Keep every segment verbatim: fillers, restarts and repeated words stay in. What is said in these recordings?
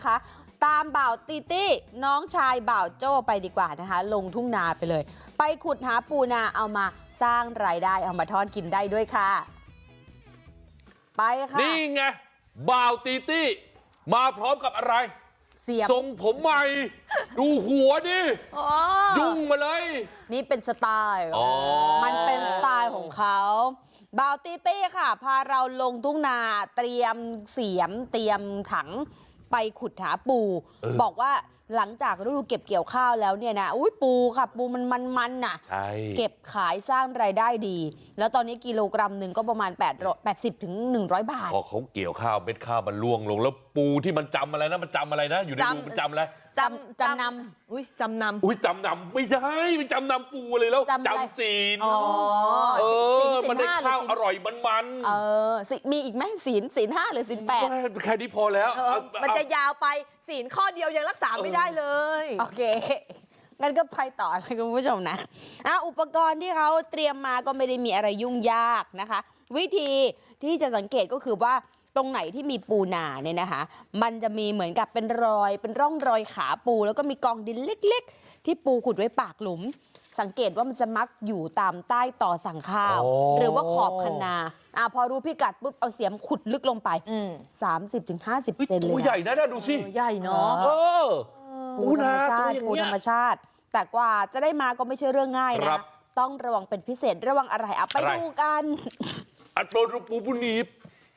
คะตามบ่าวตีตี้น้องชายบ่าวโจ้ไปดีกว่านะคะลงทุ่งนาไปเลยไปขุดหาปูนาเอามาสร้างรายได้เอามาทอดกินได้ด้วยค่ะไปค่ะนี่ไงบ่าวตีตี้มาพร้อมกับอะไรเสียบทรงผมใหม่ดูหัวดิยุ่งมาเลยนี่เป็นสไตล์มันเป็นสไตล์ของเขาบ่าวตีตี้ค่ะพาเราลงทุ่งนาเตรียมเสียมเตรียมถังไปขุดหาปูบอกว่าหลังจากฤดูเก็บเกี่ยวข้าวแล้วเนี่ยนะอุ้ยปูค่ะปูมันมันมันน่ะเก็บขายสร้างรายได้ดีแล้วตอนนี้กิโลกรัมหนึ่งก็ประมาณแปดสิบถึงหนึ่งร้อยบาทพอเขาเกี่ยวข้าวเม็ดข้าวมันล่วงลงแล้วปูที่มันจำอะไรนะมันจำอะไรนะอยู่ในรูมันจำอะไรจำจำนำอุ้ยจำนำอุ้ยจำนำไม่ใช่มันจำนำปูเลยแล้วจำศีลอ๋อเออมันได้ข้าวอร่อยมันมันเออมีอีกไหมศีลศีลห้าหรือศีลแปดแค่นี้พอแล้วมันจะยาวไปศีลข้อเดียวยังรักษาไม่ได้เลยโอเคงั้นก็ไปต่อเลยคุณผู้ชมนะอ่ะอุปกรณ์ที่เขาเตรียมมาก็ไม่ได้มีอะไรยุ่งยากนะคะวิธีที่จะสังเกตก็คือว่าตรงไหนที่มีปูนาเนี่ยนะคะมันจะมีเหมือนกับเป็นรอยเป็นร่องรอยขาปูแล้วก็มีกองดินเล็กๆที่ปูขุดไว้ปากหลุมสังเกตว่ามันจะมักอยู่ตามใต้ต่อสั่งข้าวหรือว่าขอบคะนาอ่ะพอรู้พิกัดปุ๊บเอาเสียมขุดลึกลงไป สามสิบถึงห้าสิบ เซนเลยปูใหญ่นะดูสิใหญ่เนาะเออปูธรรมชาติปูธรรมชาติแต่กว่าจะได้มาก็ไม่ใช่เรื่องง่ายนะต้องระวังเป็นพิเศษระวังอะไรอ่ะไปดูกันอัดโดนปูปูหนีบ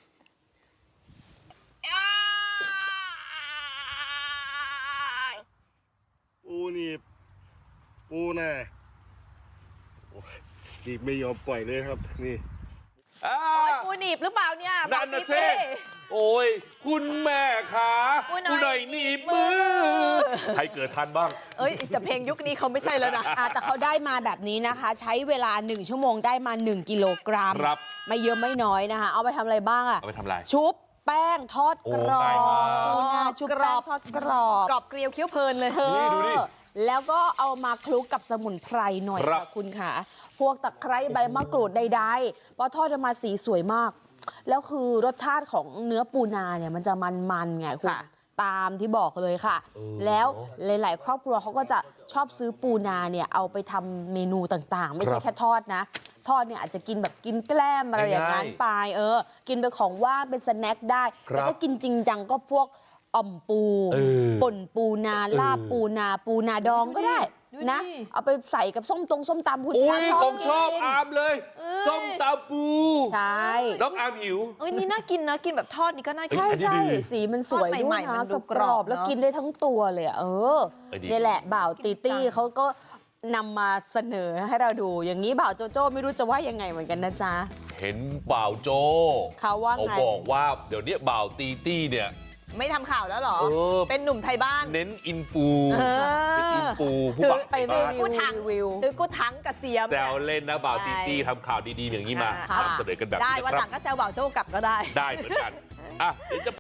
ปูหนีบปูน่ะหนีบไม่ยอมปล่อยเลยครับนี่โอ้ยปูหนีบหรือเปล่าเนี่ยนั่นนะเซ่โอ้ยคุณแม่ขาปูหน่อยหนีบมือใครเกิดทันบ้างเอ้ยแต่เพลงยุคนี้เขาไม่ใช่แล้วนะแต่เขาได้มาแบบนี้นะคะใช้เวลาหนึ่งชั่วโมงได้มาหนึ่งกิโลกรัมไม่เยอะไม่น้อยนะคะเอาไปทำอะไรบ้างอ่ะเอาไปทำอะไรชุบแป้งทอดกรอบปูนาชุบแป้งทอดกรอบกรอบเกลียวเคี้ยวเพลินเลยดูดิแล้วก็เอามาคลุกกับสมุนไพรหน่อยค่ะคุณค่ะพวกตะไคร้ใบมะกรูดใดๆพอทอดออกมาสีสวยมากแล้วคือรสชาติของเนื้อปูนาเนี่ยมันจะมันๆไงคุณตามที่บอกเลยค่ะแล้วหลายๆครอบครัวเขาก็จะชอบซื้อปูนาเนี่ยเอาไปทำเมนูต่างๆไม่ใช่แค่ทอดนะทอดเนี่ยอาจจะกินแบบกินแกล้มอะไรอย่างนั้นไปเออกินเป็นของว่างเป็นสแน็คได้แล้วก็กินจริงจังก็พวกอ่อมปูป่นปูนาลาบปูนาปูนาดองก็ได้นะเอาไปใส่กับส้มตรงส้มตำคุณชอบกินของชอบอามเลยส้มตำปูใช่น้องอามหิวเอ้ยนี่น่ากินนะกินแบบทอดนี่ก็น่ากินใช่ใช่สีมันสวยด้วยนะกรอบแล้วกินได้ทั้งตัวเลยเออนี่แหละบ่าวตีตี้เขาก็นำมาเสนอให้เราดูอย่างนี้บ่าวโจโจ้ไม่รู้จะว่ายังไงเหมือนกันนะจ๊ะเห็นบ่าวโจเขาว่าไงเขาบอกว่าเดี๋ยวนี้บ่าวตีตี้เนี่ยไม่ทำข่าวแล้วหรอเป็นหนุ่มไทยบ้านเน้นอินฟูเป็นอินฟูผู้บ่าวไปรีวิววิวหรือกูทั้งกับเสียมแซวเล่นนะบ่าวตีตี้ทำข่าวดีๆอย่างนี้มานำเสนอกันแบบนี้ได้วันหลังก็แซวบ่าวโจ้กลับก็ได้ได้เหมือนกันอ่ะเดี๋ยวจะ